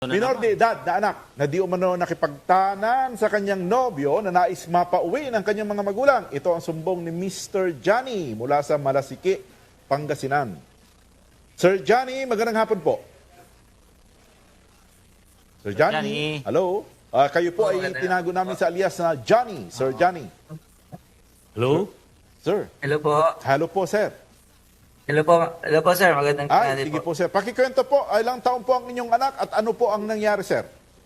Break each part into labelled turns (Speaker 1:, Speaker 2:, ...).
Speaker 1: Minor de edad na anak na di umano nakipagtanan sa kanyang nobyo na nais mapauwi ng kanyang mga magulang. Ito ang sumbong ni Mr. Johnny mula sa Malasiki, Pangasinan. Sir Johnny, magandang hapon po. Sir Johnny, hello. Kayo po ay tinago namin sa alias na Johnny. Sir Johnny.
Speaker 2: Hello?
Speaker 1: Sir.
Speaker 3: Hello po.
Speaker 1: Hello po, sir.
Speaker 3: Hello po sir. Magandang tanghali
Speaker 1: Sige
Speaker 3: po.
Speaker 1: po, sir. Pakikwento po, ilang taon po ang inyong anak at ano po ang nangyari, sir?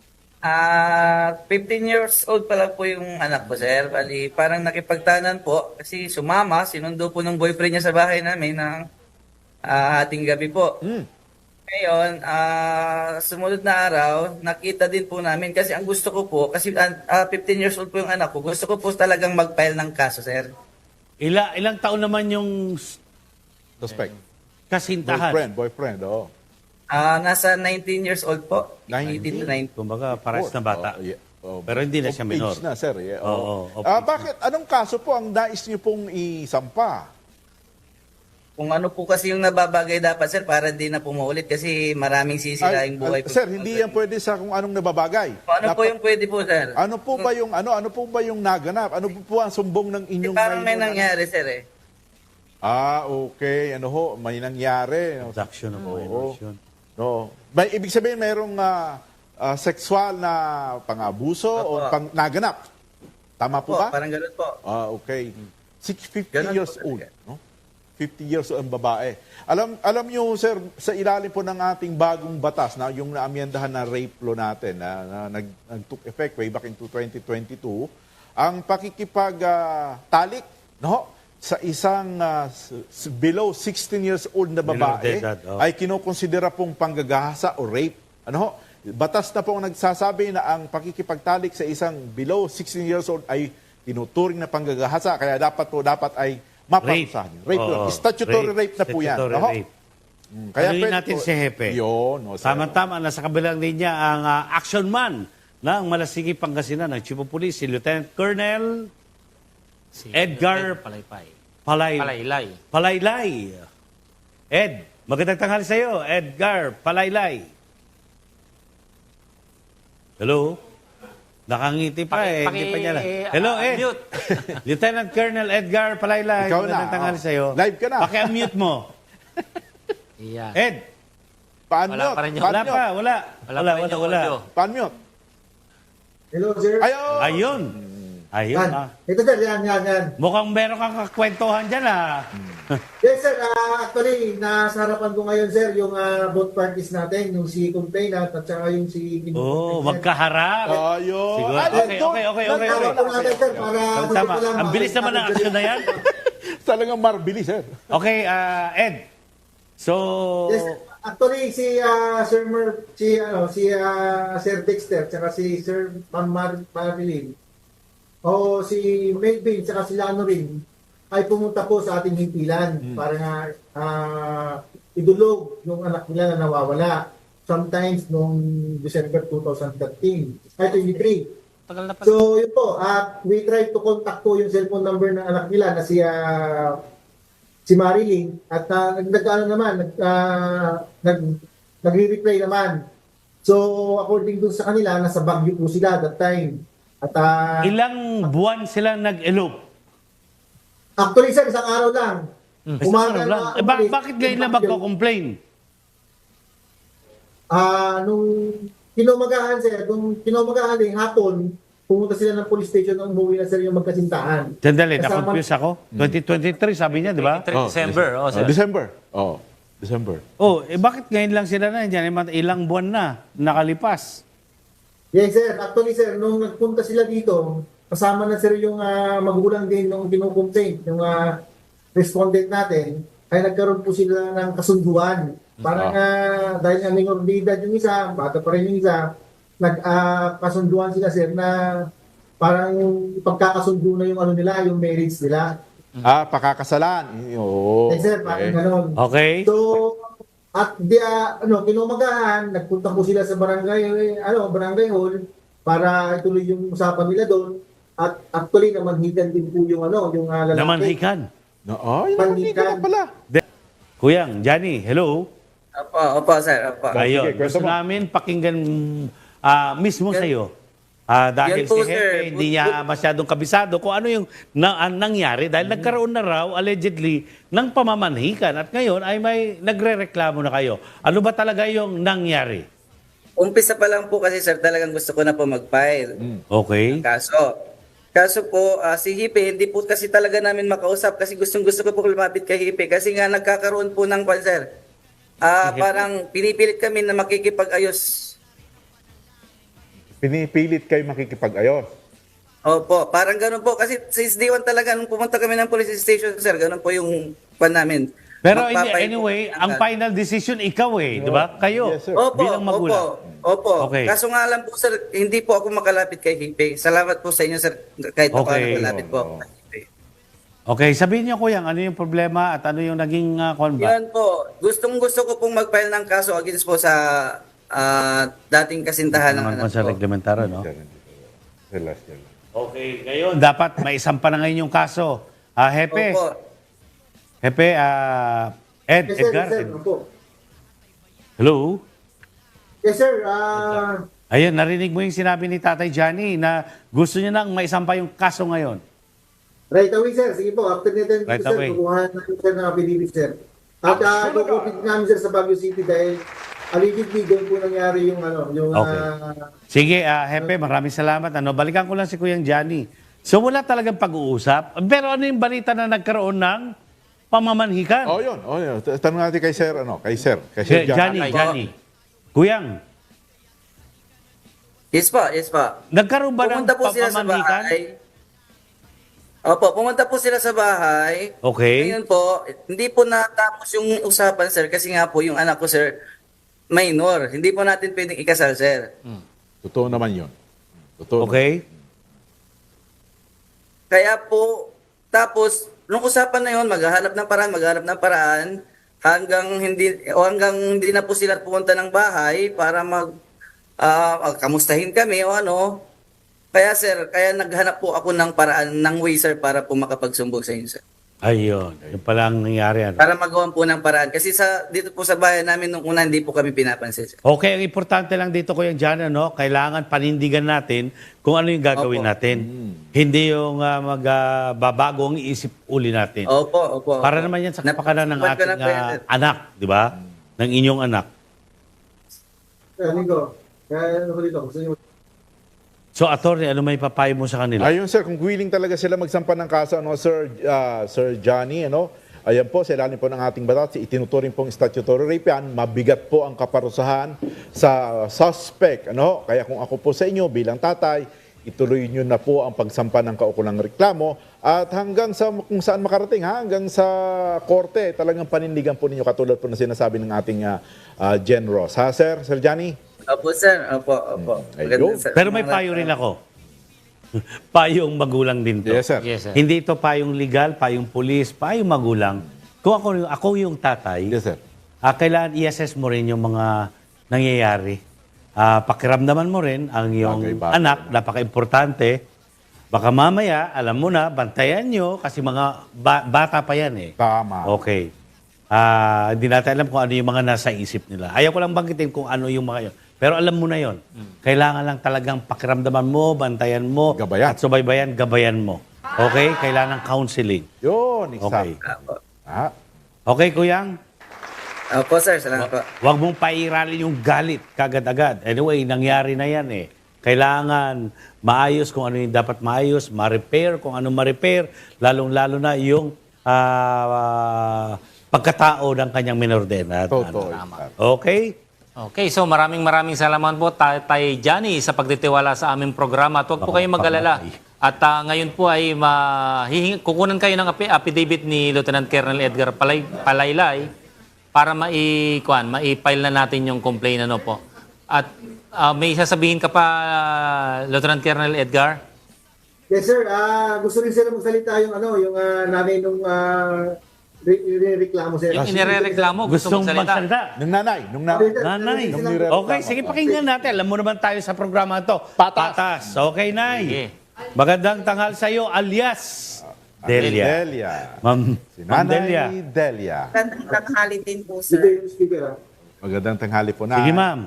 Speaker 3: 15 years old pa lang po yung anak ko, sir. Bali, parang nakipagtanan po kasi sumama, sinundo po ng boyfriend niya sa bahay namin ng ating gabi po. Ngayon, sumunod na araw, nakita din po namin kasi ang gusto ko po, kasi 15 years old po yung anak ko, gusto ko po talagang mag-file ng kaso, sir.
Speaker 2: Ilang taon naman yung
Speaker 1: Suspect.
Speaker 2: kasintahan?
Speaker 1: Boyfriend, oo.
Speaker 3: Nasa 19 years old po.
Speaker 1: 19?
Speaker 3: 18 to 19.
Speaker 2: Kumbaga, pares na bata. Pero hindi na siya
Speaker 1: Of
Speaker 2: minor.
Speaker 1: age na, sir. Yeah.
Speaker 2: Oo, of age
Speaker 1: Bakit? Anong kaso po ang nais niyo pong isampa?
Speaker 3: Kung ano po kasi yung nababagay dapat, sir, para di na pumuulit kasi maraming sisira yung buhay po.
Speaker 1: Sir, hindi yan pwede sa kung anong nababagay.
Speaker 3: Kung ano po yung pwede po, sir?
Speaker 1: Ano po ba yung ano po ba yung naganap? Ano po ang sumbong ng inyong
Speaker 3: Parang may
Speaker 1: minor na-
Speaker 3: nangyari, sir, eh.
Speaker 1: Okay. Ano ho, may nangyari.
Speaker 2: Abduction o coercion.
Speaker 1: No. May ibig sabihin mayroong sexual na pang-abuso o
Speaker 3: Opo.
Speaker 1: naganap. Tama po
Speaker 3: Po,
Speaker 1: ba?
Speaker 3: parang ganun po.
Speaker 1: Okay. 50
Speaker 3: Ganun
Speaker 1: years
Speaker 3: po
Speaker 1: old,
Speaker 3: talaga.
Speaker 1: no? 50 years old ang babae. Alam niyo, sir, sa ilalim po ng ating bagong batas na yung naamyendahan na rape law natin na nag-took effect way back into 2022, ang pakikipag-talik, no? Sa isang below 16 years old na
Speaker 2: Minor
Speaker 1: babae
Speaker 2: de edad, oh.
Speaker 1: ay kinukonsidera pong panggagahasa o rape. Ano ho? Batas na pong nagsasabi na ang pakikipagtalik sa isang below 16 years old ay tinuturing na panggagahasa kaya dapat ay maparusahan. Rape
Speaker 2: Oo.
Speaker 1: yun. Statutory rape na po yan.
Speaker 2: Statutory
Speaker 1: Ano ho?
Speaker 2: rape.
Speaker 1: Kaya
Speaker 2: Tanungin
Speaker 1: pwede
Speaker 2: natin
Speaker 1: po-
Speaker 2: si Hepe.
Speaker 1: Yun. O, sir.
Speaker 2: Tama-tama, nasa kabilang linya ang action man ng Malasiki, Pangasinan ng Chief of Police, si Lieutenant Colonel
Speaker 4: Si
Speaker 2: Edgar
Speaker 4: Palaypay.
Speaker 2: Palaylay. Palaylay. Ed, magandang tanghali sa iyo, Edgar Palaylay. Hello? Nakangiti pa hindi pa niya lang. Hello, Ed.
Speaker 4: Mute.
Speaker 2: Lieutenant Colonel Edgar Palaylay.
Speaker 1: Ikaw
Speaker 2: Magandang
Speaker 1: na,
Speaker 2: tanghali sa iyo.
Speaker 1: Live ka na.
Speaker 2: Paki-unmute mo.
Speaker 4: Yan.
Speaker 2: Ed,
Speaker 4: Wala pa rin yung-
Speaker 2: wala pa, wala.
Speaker 4: Wala pa rin yung audio.
Speaker 1: Pan-mute.
Speaker 5: Hello, sir.
Speaker 1: Ayun.
Speaker 2: Ayun. Ayun,
Speaker 5: Yan. Ito, sir. Yan.
Speaker 2: Mukhang meron kang kakwentuhan dyan,
Speaker 5: Yes, sir. Actually, nasa harapan ko ngayon, sir, yung both parties natin, yung si complainant at saka yung si...
Speaker 2: Oo, magkaharap.
Speaker 1: Ayun.
Speaker 2: Siguro.
Speaker 1: Ay,
Speaker 2: Okay.
Speaker 5: Tama natin, sir, para...
Speaker 2: Tama. Ang bilis naman ng action na yan.
Speaker 1: Talagang marbili, sir.
Speaker 2: Okay, Ed. So,
Speaker 5: Yes, actually, si Sir Dexter, tsaka si Sir Marilyn, o si Melvin, tsaka si Lano rin, ay pumunta po sa ating himpilan para nga idulog yung anak nila na nawawala. Sometimes noong December 2013, ay 23.
Speaker 4: Tagal na pa.
Speaker 5: So, yun po, we tried to contact po yung cellphone number ng anak nila na si Marilyn at nagre-reply naman. So, according dun sa kanila, nasa Baguio po sila that time. At
Speaker 2: ilang buwan sila nag-elope?
Speaker 5: actually, sir, isang araw lang.
Speaker 2: Isang araw lang. Bakit ngayon na magko-complain?
Speaker 5: Nung kinumagahan, sir, hapon, pumunta sila ng police station nung umuwi na sir yung magkasintahan.
Speaker 2: Sandali,
Speaker 5: Kasama-
Speaker 2: na-confuse ako. 2023, sabi niya, di ba?
Speaker 4: 23 December. Oh, sir.
Speaker 1: December. December.
Speaker 2: Bakit ngayon lang sila na dyan? Ilang buwan na nakalipas.
Speaker 5: Yes, sir. Actually, sir, nung nagpunta sila dito, kasama na sir yung magulang din nung kinukomplain, yung respondent natin, ay nagkaroon po sila ng kasunduan. Parang dahil nga minor de edad yung isa, bata pa rin yung isa, nagkasunduan sila, sir, na parang pagkakasundo na yung ano nila, yung marriage nila.
Speaker 1: Pakakasalan. Oo.
Speaker 5: Yes, sir, parang gano'n.
Speaker 2: Okay?
Speaker 5: So, at kinumagahan, nagpunta po sila sa barangay hall para ituloy yung usapan nila doon. At actually, namanhikan din po yung lalaki.
Speaker 2: Namanhikan.
Speaker 1: Yung mantika na pala.
Speaker 2: Kuyang, Johnny, hello?
Speaker 3: Opo, sir. Opo.
Speaker 2: Ayun,
Speaker 1: Sige, kwento
Speaker 2: gusto
Speaker 1: mo.
Speaker 2: namin pakinggan mismo sa iyo. Dahil
Speaker 3: Yan po,
Speaker 2: si
Speaker 3: sir.
Speaker 2: Hepe, hindi niya masyadong kabisado kung ano yung ang nangyari dahil nagkaroon na raw allegedly ng pamamanhikan at ngayon ay may nagrereklamo na kayo. Ano ba talaga yung nangyari?
Speaker 3: Umpisa pa lang po kasi sir, talagang gusto ko na po mag-file.
Speaker 2: Okay?
Speaker 3: Kaso po, si Hipe, hindi po kasi talaga namin makausap kasi gustong-gusto ko po lumapit kay Hipe kasi nga nagkakaroon po ng sir. Parang pinipilit kami na makikipag-ayos.
Speaker 1: Pinipilit kayo makikipag-ayos.
Speaker 3: Opo, parang ganun po. Kasi since day one talaga, nung pumunta kami ng police station, sir, ganun po yung pan namin.
Speaker 2: Pero
Speaker 3: Magpapail po
Speaker 2: anyway,
Speaker 3: kami
Speaker 2: ang
Speaker 3: agad.
Speaker 2: final decision ikaw di ba? Kayo,
Speaker 1: Yes, sir.
Speaker 3: Opo,
Speaker 2: bilang magulang.
Speaker 3: Opo.
Speaker 2: Okay.
Speaker 3: Kaso nga lang po, sir, hindi po ako makalapit kay Hipe. Salamat po sa inyo, sir, kahit ako
Speaker 2: Okay.
Speaker 3: makalapit po.
Speaker 1: Oo.
Speaker 3: Kay Hipe.
Speaker 2: Okay, sabihin niyo kuya, ano yung problema at ano yung naging konba?
Speaker 3: Yan po. Gustong-gusto ko pong mag-file ng kaso against po sa dating kasintahan ng
Speaker 2: Naman
Speaker 3: anak
Speaker 2: po sa
Speaker 3: ko.
Speaker 2: reglamentaro, no?
Speaker 1: Celestial.
Speaker 2: Okay, ngayon, dapat may isampa na ngayon yung kaso. Hepe,
Speaker 3: Opo.
Speaker 2: Hepe, Ed,
Speaker 5: Yes, sir.
Speaker 2: Edgar.
Speaker 5: Yes, sir. Opo.
Speaker 2: Hello?
Speaker 5: Yes, sir.
Speaker 2: Ayun, narinig mo yung sinabi ni Tatay Johnny na gusto niya nang maisampa yung kaso ngayon.
Speaker 5: Right away, sir. Sige po. After nito,
Speaker 2: Right
Speaker 5: sir,
Speaker 2: away.
Speaker 5: kukuha natin, sir, ng affidavit, sir. At kukupit namin, sir, sa Baguio City dahil allegedly doon po nangyari yung
Speaker 2: Okay. Sige, Hepe, maraming salamat. Balikan ko lang si Kuyang Johnny. So wala talagang pag-uusap. Pero ano yung balita na nagkaroon ng pamamanhikan?
Speaker 1: Oh, yun. Tanong natin kay Sir, kay Sir John.
Speaker 2: Johnny. Kuyang,
Speaker 3: Yes po, yes po.
Speaker 2: nagkaroon ba ng
Speaker 3: Pumunta po sila sa
Speaker 2: pamamanhikan?
Speaker 3: bahay. Opo, pumunta po sila sa bahay.
Speaker 2: Okay.
Speaker 3: Ngayon po, hindi po natapos yung usapan, sir, kasi nga po yung anak ko, sir, minor. Hindi po natin pwedeng ikasal, sir.
Speaker 1: Totoo naman yun. Totoo.
Speaker 2: Okay.
Speaker 3: Kaya po, tapos, nung usapan na yun, maghahanap ng paraan, hanggang hindi na po sila pumunta ng bahay para kamustahin kami o ano. Kaya sir, naghanap po ako ng paraan, ng way sir, para po makapagsumbong sa inyo sir.
Speaker 2: Ayun. Yung pala ang nangyari.
Speaker 3: Para magawan po ng paraan. Kasi dito po sa bayan namin nung una, hindi po kami pinapansin sir.
Speaker 2: Okay, ang importante lang dito, Kuya Johnny, kailangan panindigan natin kung ano yung gagawin
Speaker 3: Opo.
Speaker 2: natin. Hindi yung magbabago ang iisip uli natin.
Speaker 3: Opo.
Speaker 2: Para naman yan sa kapakanan ng
Speaker 3: Napag-
Speaker 2: ating
Speaker 3: ko na po yan, sir.
Speaker 2: anak, di ba? Ng inyong anak.
Speaker 5: Nico, kaya ano ko dito? Gusto niyo
Speaker 2: So, attorney, ano may papayo mo sa kanila?
Speaker 1: Ayun sir, kung willing talaga sila magsampa ng kaso, Sir Johnny, ayan po, sa ilalim po ng ating batas, itinuturing pong statutory rape yan, mabigat po ang kaparusahan sa suspect, Kaya kung ako po sa inyo bilang tatay, ituloy nyo na po ang pagsampa ng kaukulang reklamo at hanggang sa kung saan makarating, hanggang sa korte, talagang panindigan po ninyo katulad po na sinasabi ng ating Gen Ross. Ha, Sir Johnny?
Speaker 3: Opo sir, opo.
Speaker 1: Ayun.
Speaker 3: Maganda, sir.
Speaker 2: Pero may payo rin ako. Payong magulang din to.
Speaker 1: Yes, sir.
Speaker 4: Yes, sir.
Speaker 2: Hindi ito payong legal, payong pulis, payong magulang. Kung ako yung tatay,
Speaker 1: Yes, sir.
Speaker 2: kailangan i-assess mo rin yung mga nangyayari. Pakiramdaman mo rin ang iyong
Speaker 1: Bagay-bagay.
Speaker 2: anak, napaka-importante. Baka mamaya, alam mo na, bantayan nyo kasi mga bata pa yan eh.
Speaker 1: Tama.
Speaker 2: Okay. Hindi natin alam kung ano yung mga nasa isip nila. Ayaw ko lang banggitin kung ano yung mga yun. Pero alam mo na yon. Kailangan lang talagang pakiramdaman mo, bantayan mo,
Speaker 1: Gabayan.
Speaker 2: at subaybayan, gabayan mo. Okay? Kailangan ng counseling.
Speaker 1: Yun,
Speaker 2: Okay.
Speaker 1: exact.
Speaker 3: Opo.
Speaker 2: Okay, Kuyang?
Speaker 3: Opo sir, salamat po.
Speaker 2: Huwag mong pairalin yung galit kagad-agad. Anyway, nangyari na yan eh. Kailangan maayos kung ano yung dapat maayos, ma-repair kung ano ma-repair, lalong-lalo na yung pagkatao ng kanyang minor de edad.
Speaker 1: Totoo.
Speaker 2: Okay?
Speaker 4: Okay, so maraming salamat po Tatay Johnny sa pagtitiwala sa aming programa. At huwag po kayong mag-alala. At ngayon po ay kukunan kayo ng affidavit ni Lieutenant Colonel Edgar Palaylay para mai-file na natin yung complaint po. At may sasabihin ka pa, Lieutenant Colonel Edgar?
Speaker 5: Yes, sir. Gusto rin sila magsalita yung nanay nung reklamo, sir.
Speaker 4: Yung inirereklamo, gusto
Speaker 2: Gustong
Speaker 4: mong salita?
Speaker 2: magsalita?
Speaker 1: Nung nanay.
Speaker 2: Nanay.
Speaker 1: Nung nirereklamo.
Speaker 2: Okay, sige, pakinggan natin. Alam mo naman tayo sa programa to.
Speaker 1: Patas.
Speaker 2: Okay, Nay.
Speaker 4: Sige.
Speaker 2: Magandang tanghal sa iyo, alias Delia.
Speaker 1: Delia.
Speaker 2: Ma'am
Speaker 1: Si
Speaker 2: Ma'am
Speaker 1: Nanay
Speaker 2: Delia.
Speaker 1: Delia.
Speaker 6: Magandang tanghali din po,
Speaker 5: Sige,
Speaker 6: sir.
Speaker 5: yung speaker,
Speaker 1: Magandang tanghali po na.
Speaker 2: Sige, ma'am.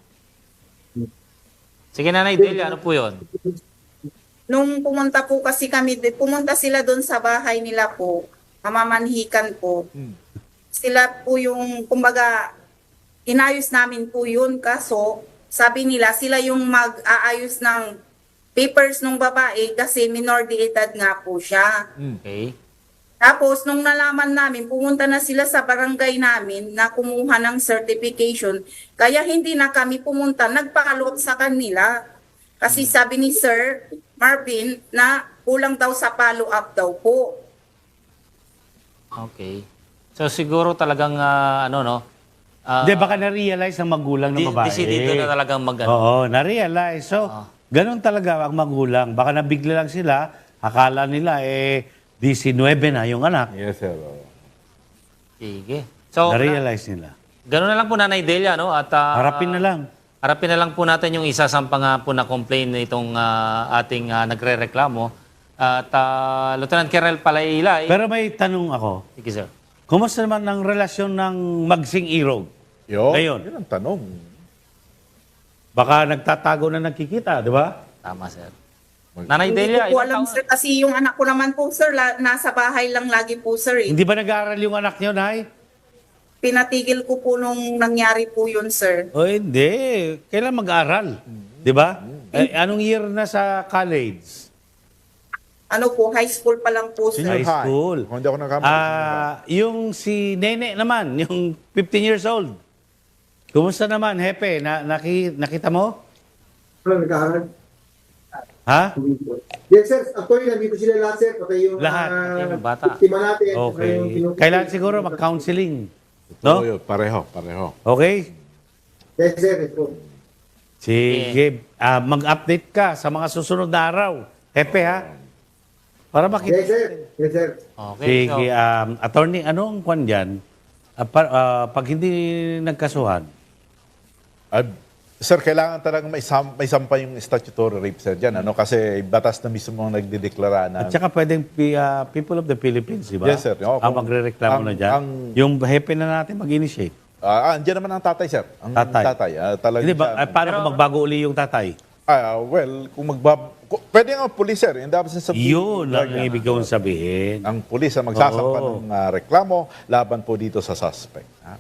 Speaker 4: Sige, Nanay Delia, ano po yun?
Speaker 6: Nung pumunta po kasi kami, pumunta sila doon sa bahay nila po, mamamanhikan po. Sila po yung, kumbaga, inayos namin po yun, kaso sabi nila sila yung mag-aayos ng papers ng babae kasi minor de edad nga po siya.
Speaker 4: Okay.
Speaker 6: Tapos, nung nalaman namin, pumunta na sila sa barangay namin na kumuha ng certification. Kaya hindi na kami pumunta, nagpa-follow up sa kanila. Kasi sabi ni Sir Marvin na kulang daw sa follow-up daw po.
Speaker 4: Okay. So siguro talagang
Speaker 2: Hindi, baka na-realize ng magulang ng babae.
Speaker 4: Decidido na talagang
Speaker 2: Oo, na-realize. So, ganun talaga ang magulang. Baka nabigla lang sila, akala nila 19 na yung anak.
Speaker 1: Yes, sir.
Speaker 4: Sige. So,
Speaker 2: Na-realize nila.
Speaker 4: gano'n na lang po, Nanay Delia, no? At,
Speaker 2: Harapin na lang.
Speaker 4: Harapin na lang po natin yung isa sa po na complaint nitong ating nagre-reklamo. At Lieutenant Colonel Palailay.
Speaker 2: Pero may tanong ako.
Speaker 4: Sige, sir.
Speaker 2: Kumusta naman ang relasyon ng Magsing Irog? Ngayon.
Speaker 1: Yun ang tanong.
Speaker 2: Baka nagtatago na nagkikita, di ba?
Speaker 4: Tama, sir. Nanay
Speaker 6: Hindi
Speaker 4: Delia,
Speaker 6: ko po
Speaker 4: ilang
Speaker 6: alam,
Speaker 4: taon-
Speaker 6: sir, kasi yung anak ko naman po, sir, nasa bahay lang lagi po, sir.
Speaker 2: Hindi ba nag-aaral yung anak niyo, Nay?
Speaker 6: Pinatigil ko po nung nangyari po yun, sir.
Speaker 2: O hindi. Kailan mag-aaral? Di ba? Anong year na sa college?
Speaker 6: Ano po, high school pa lang po, sir.
Speaker 2: High school.
Speaker 1: Kung hindi ako nagkamali.
Speaker 2: Yung si Nene naman, yung 15 years old. Kumusta naman, Hepe? Nakita mo?
Speaker 5: Ano, nag-aaral?
Speaker 2: Ha?
Speaker 5: Yes, sir. Actually, nandito sila lahat, sir. Pati yung
Speaker 2: Lahat.
Speaker 4: Yung bata.
Speaker 5: biktima natin.
Speaker 2: Okay.
Speaker 5: yung kinukuha.
Speaker 2: Kailangan siguro mag-counseling.
Speaker 1: No?
Speaker 2: No?
Speaker 1: Pareho.
Speaker 2: Okay?
Speaker 5: Yes, sir. Yes, po.
Speaker 2: Sige. Mag-update ka sa mga susunod na araw. Hepe, ha? Para makita.
Speaker 5: Yes, sir. Yes, sir.
Speaker 4: Okay.
Speaker 2: Sige. Attorney, anong kwan dyan? Pag hindi nagkasuhan,
Speaker 1: Sir, kailangan talagang may sampa yung statutory rape, sir, dyan. Ano? Kasi batas na mismo ang nagdideklara na...
Speaker 2: at saka pwedeng people of the Philippines, di ba?
Speaker 1: Yes, sir. Oo,
Speaker 2: Ang magre-reklamo na dyan. Yung hepe na natin mag-initiate.
Speaker 1: Andiyan naman ang tatay, sir. Ang
Speaker 2: Tatay.
Speaker 1: talagang
Speaker 2: Hindi ba,
Speaker 1: siya-
Speaker 2: paano kung magbago uli yung tatay?
Speaker 1: well, kung pwede nga pulis, sir. In the absence of...
Speaker 2: Yun ang ibig kong sabihin.
Speaker 1: Ang pulis ang magsasampa
Speaker 2: Oo.
Speaker 1: ng reklamo laban po dito sa suspect. Ha?